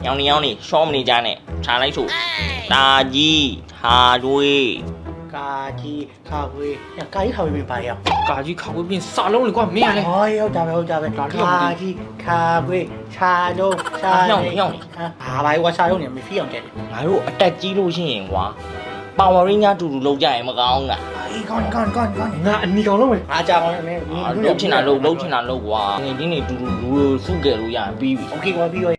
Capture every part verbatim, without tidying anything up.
ညောင်နေညောင်နေရှောမနေကြနဲ့ခြာလိုက်ဆိုတာကြီးဟာတွေးကာကြီးခါဝေးကာကြီးခါဝေးပြင်ပါရအောင်ကာကြီးခါဝေးပြင်စာလုံးလေကွာမင်းရလေဟောရောက်ကြပဲဟုတ်ကြပဲကာကြီးခါဝေးခြာလုံးခြာညောင်နေညောင်နေဟာဘာဝါခြာလုံးနေမဖီးအောင်တဲ့ငါတို့အတက်ကြီးလို့ရှိရင်ကွာပါဝါရင်းများတူတူလောက်ကြရင်မကောင်းလားအေးကောင်းကောင်းကောင်းကောင်းငါအနီကောင်လုံးမယ်အားကြောင်လည်းမင်းလှုပ်ချင်တာလှုပ်လှုပ်ချင်တာလှုပ်ကွာငင်းတင်းနေတူတူလူစုကြလို့ရရင်ပြီးပြီโอเคကွာပြီးရော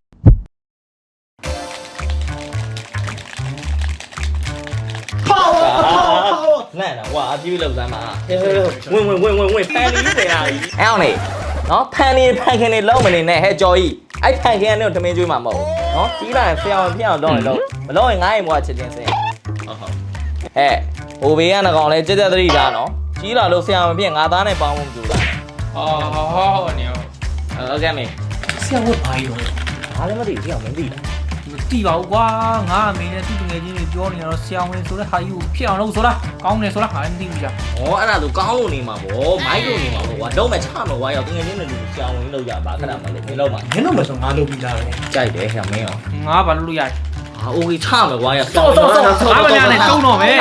ပေါလပေါန့်တာကွာအပြေးလောက်စမ်းပါဝင်ဝင်ဝင်ဝင်ဝင်ဖန်နေပြီရာကြီးအဲ့အောင်နေနော်ဖန်နေဖန်ခင်နေလုံးမနေနဲ့ဟဲ့ကြော်ကြီးအဲ့ဖန်ခင်ကနေတော့ထမင်းကျွေးမှာမဟုတ်နော်ကြီးလာရင်ဖျောင်းဖျောင်းတော့လည်းလုံးမလုံးရင်ငါ့အိမ်ဘွားချစ်ချင်းစင်ဟုတ်ဟုတ်ဟဲ့ဟိုဘေးကနကောင်လဲကြက်ကြက်သတိထားနော်ကြီးလာလို့ဆရာမဖြစ်ငါသားနဲ့ပေါင်းဖို့မကြိုးစားနဲ့အော်ဟောဟောနေရောဟုတ်ကဲ့မေဆရာဝတ်ပါရောဘာလည်းမသိဘူးဆရာမင်းသိလားမတိပါဘူးကွာငါအမေနဲ့သူ့တငယ်ချင်းတွေပြောနေတော့ဆရာဝန်ဆိုတဲ့ဟာကြီးကိုဖြစ်အောင်လုပ်ဆိုလားကောင်းတယ်ဆိုလားငါလည်းမသိဘူးကြာဩအဲ့ဒါဆိုကောင်းလို့နေမှာဗောမိုက်လို့နေမှာဗောကွာတော့မချမှာကွာရောက်တကယ်ချင်းတွေလူဆရာဝန်လောက်ရပါခဏမှလို့မင်းလောက်မှာနင်းတော့မဆိုငါလုပ်ပြီးသားပဲကြိုက်တယ်ဆရာမင်းရောငါဘာလို့လို့ရဟာโอเคချမှာကွာရတော့တော့တော့ငါမညာနဲ့တုံးတော့ပဲ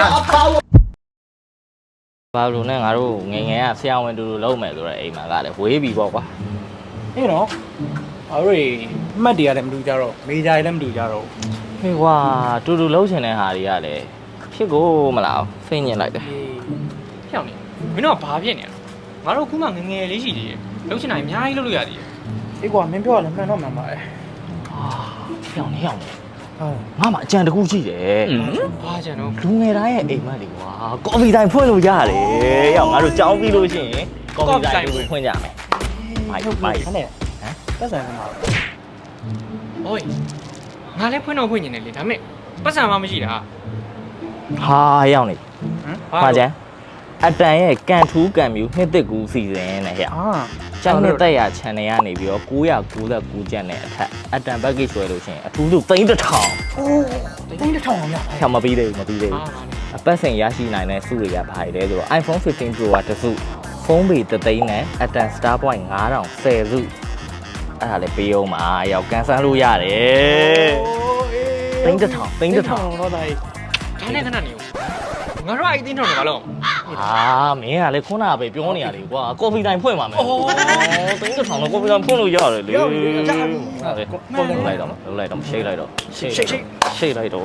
ဘာလို့လဲငါတို့ငယ်ငယ်ကဆရာဝန်တူတူလုံးမယ်ဆိုတော့အိမ်မှာကလည်းဝေးပြီပေါ့ကွာအေးနော်အဲ့ဒီမှတ်တွေကလည်းမတူကြတော့မေဂျာတွေလည်းမတူကြတော့ဟေးကွာတူတူလုံးချင်တဲ့ဟာတွေကလည်းဖြစ်ကိုမလားဖိညင်လိုက်တယ်ဖြောင်းနေမင်းတို့ကဘာဖြစ်နေလဲငါတို့ခုမှငငယ်လေးရှိသေးတယ်လှုပ်ချင်တာအများကြီးလုပ်လို့ရသေးတယ်အေးကွာမင်းပြောရလဲမှန်တော့မှန်ပါတယ်ဟာဖြောင်းနေဖြောင်းနေဟုတ်ငါမှအကြံတစ်ခုရှိတယ်ဘာကြံတော့လူငယ်တိုင်းရဲ့အိမ်မက်တွေကွာကော်ဖီတိုင်းဖွင့်လို့ရတယ်ရောက်ငါတို့ကြောင်းပြီးလို့ရှိရင်ကော်ဖီတိုင်းကိုဖွင့်ကြမယ်မိုက်မိုက်ဟဲ့နဲ့ဟမ်ပတ်စံမှာဟိုငါလည်းဖွင့်တော့ဖွင့်နေတယ်လေဒါပေမဲ့ပတ်စံမှမရှိတာဟာရောက်နေဟမ်ဟာကျန်အတန်ရဲ့ကန်ထူးကန်မြူနှစ်သက်ကူစီစဉ်နဲ့ဟဲ့အာကျန်တဲ့တက်ရ channel ကနေပြီးတော့၉၉၉ကျန်တဲ့အထက်အတန် package ဆွဲလို့ရှိရင်အထူးဆုံးသိန်းတစ်ထောင်အိုးတင်းတစ်ထောင်အောင်ရဖြောင်မပြီးသေးဘူးမပြီးသေးအာဘူးအပတ်စဉ်ရရှိနိုင်တဲ့စုတွေကဘာတွေလဲဆိုတော့ iPhone fifteen Pro ကတစ်စုဖုန်းပေတစ်သိန်းနဲ့အတန် Star Point ၅ထောင်၁၀စုအဲ့ဒါလည်းပေးအောင်ပါရောက်ကန်ဆန်းလို့ရတယ်သိန်းတစ်ထောင်သိန်းတစ်ထောင်တော့တိုင်းဒါနဲ့ခဏနေဦးငါတို့အဲ့တင်းထောင်နေပါလို့ဟာမင်းကလည်းခုနကပဲပြောနေရတယ်ကွာကော်ဖီတိုင်းဖွင့်ပါမယ်အော်သိန်းတစ်ထောင်တော့ကော်ဖီတိုင်းဖွင့်လို့ရတယ်လေဟုတ်တယ်လိုက်တော့လိုက်တော့ရှိတ်လိုက်တော့ရှိတ်ရှိတ်ရှိတ်လိုက်တော့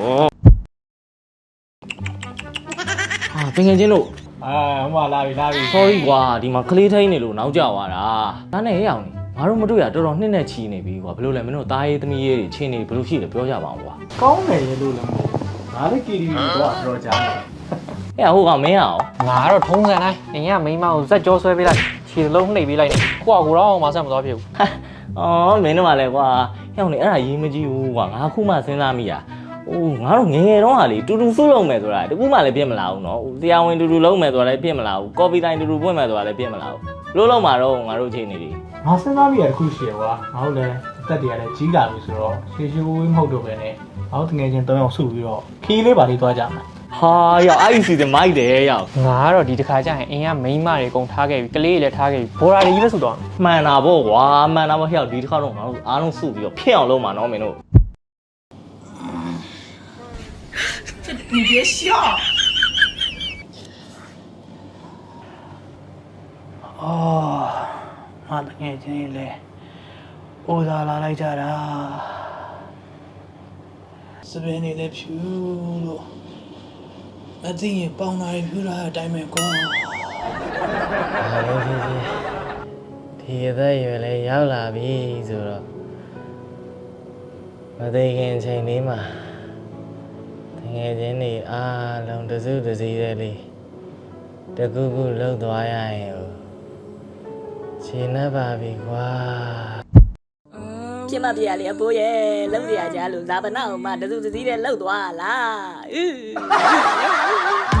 ဟာပင်ငယ်ချင်းတို့အာဟိုမှာလာပြီလာပြီ sorry ကွာဒီမှာကလေးထိန်နေလို့နောက်ကျသွားတာဒါနဲ့ရအောင်နေငါတို့မတွေ့ရတော်တော်နှစ်နဲ့ချီနေပြီကွာဘယ်လိုလဲမင်းတို့သားရေးသမီးရေးတွေချင်းနေဘယ်လိုရှိလဲပြောကြပါအောင်ကွာကောင်းတယ်လို့လည်းမဟုတ်ငါလည်း K D တော့တော့ကြားတယ်အဲ့ဟိုကမင်းရအောင်ငါတော့ထုံးစံတိုင်းအရင်ကမိန်းမကိုဇက်ကြောဆွဲပေးလိုက်ခြေလုံးနှိပ်ပေးလိုက်နေကိုကကိုတော့မဆက်မသွားဖြစ်ဘူးအော်မင်းတို့ကလည်းကွာဟဲ့အောင်နေအဲ့ဒါရေးမကြည့်ဘူးကွာငါခုမှစဉ်းစားမိတာအိုးငါတို့ငယ်ငယ်တုန်းကလေတူတူစုလုံးမယ်ဆိုတာတကူမှလည်းပြစ်မလာဘူးနော်တရားဝင်တူတူလုံးမယ်ဆိုတာလည်းပြစ်မလာဘူးကော်ပီတိုင်းတူတူပွင့်မယ်ဆိုတာလည်းပြစ်မလာဘူးလို့လုံးမှာတော့ငါတို့ချိန်နေပြီငါစဉ်းစားမိရတခုရှိရကွာငါတို့လည်းအသက်တွေကလည်းကြီးလာပြီဆိုတော့ရှေးရှေးဝေးမဟုတ်တော့ပဲနဲ့ငါတို့တငယ်ချင်း၃ယောက်စုပြီးတော့ခီးလေးပါလေးသွားကြမယ်ဟာရောက်အဲ့ဒီစီစဉ်မိုက်တယ်ရောက်ငါကတော့ဒီတစ်ခါကျရင်အင်းကမိန်းမတွေအကုန်ထားခဲ့ပြီကလေးတွေလည်းထားခဲ့ပြီဘော်ရာတွေကြီးပဲဆိုတော့မှန်တာပေါ့ကွာမှန်တာပေါ့ဟဲ့ဒီတစ်ခါတော့ငါတို့အားလုံးစုပြီးတော့ဖြစ်အောင်လုပ်မှာနော်မင်းတို့你别笑。哦，妈的，眼睛嘞，我咋拿来着啦？这边你来飘了，那这也帮那里飘了，带没光。 ဟာလေဖြစ်ဖြစ်ဒီအသက်အရွယ်လေးရောက်လာပြီဆိုတော့မသိခင်ချိန်လေးမှာတငယ်ချင်းတွေအားလုံးတစုတစည်းတဲ့လေးတကူကူလှုပ်သွားရရင်ဟိုခြေနှက်ပါပြီကွာပြမပြရလေအဖိုးရဲ့လုံးစရာကြားလို့ဇာပနာအောင်မတစုတစည်းတဲ့လှုပ်သွားလား